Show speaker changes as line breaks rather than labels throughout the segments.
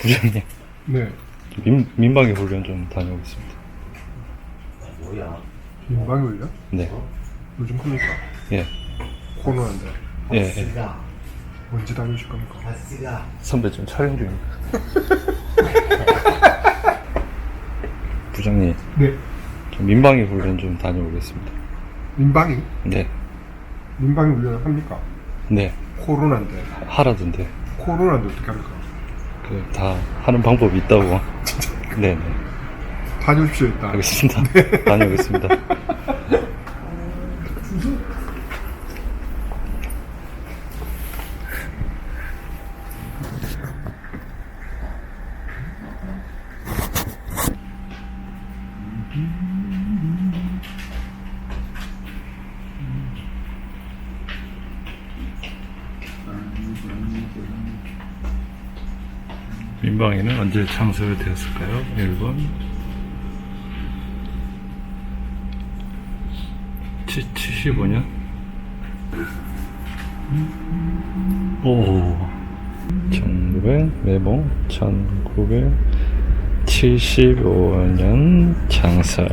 부장님,
네.
민방위 훈련 좀 다녀오겠습니다.
민방위 훈련?
네.
요즘 합니까?
예.
코로나인데
예. 예.
언제 다녀오실 겁니까?
선배 좀 촬영 중입니다. 부장님,
네.
좀 민방위 훈련 좀 다녀오겠습니다.
민방위?
네.
민방위 훈련을 합니까?
네.
코로나인데
하라던데.
코로나인데 어떻게 합니까?
다 하는 방법이 있다고. 네네.
다녀오십시오 일단.
알겠습니다. 다녀오겠습니다. 민방위는 언제 창설되었을까요? 1번 75년? 오 1900 매봉 1975년 창설.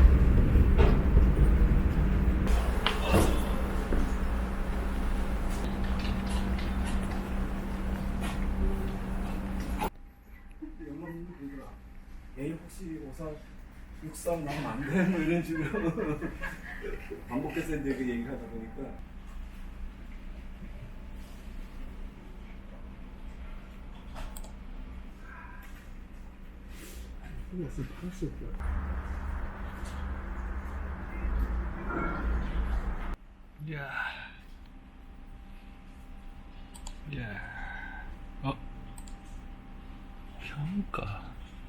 에이 혹시 53 나오면 안 돼? 뭐 이런 식으로 반복해서 이제 그 얘기를 하다 보니까
이야. 이야. 평가.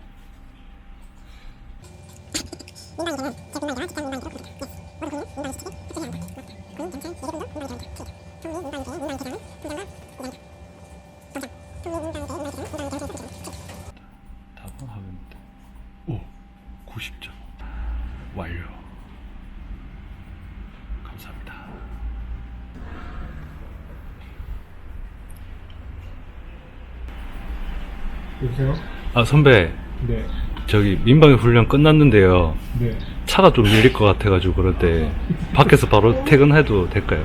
답하면 오 90점 완료. 감사합니다.
여보세요?
아 선배,
네.
저기 민방위 훈련 끝났는데요.
네.
차가 좀 밀릴 것 같아가지고 그런데 밖에서 바로 퇴근해도 될까요?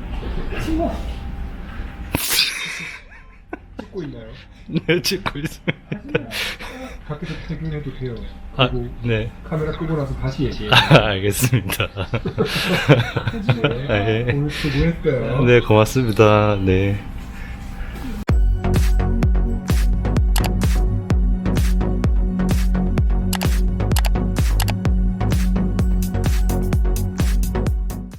찍고 있나요?
네, 찍고 있어요.
밖에서 퇴근해도 돼요.
아,
그리고
네.
카메라 끄고 나서 다시 얘기해요.
알겠습니다.
네.
네.
오늘 수고했어요.
네, 고맙습니다. 네.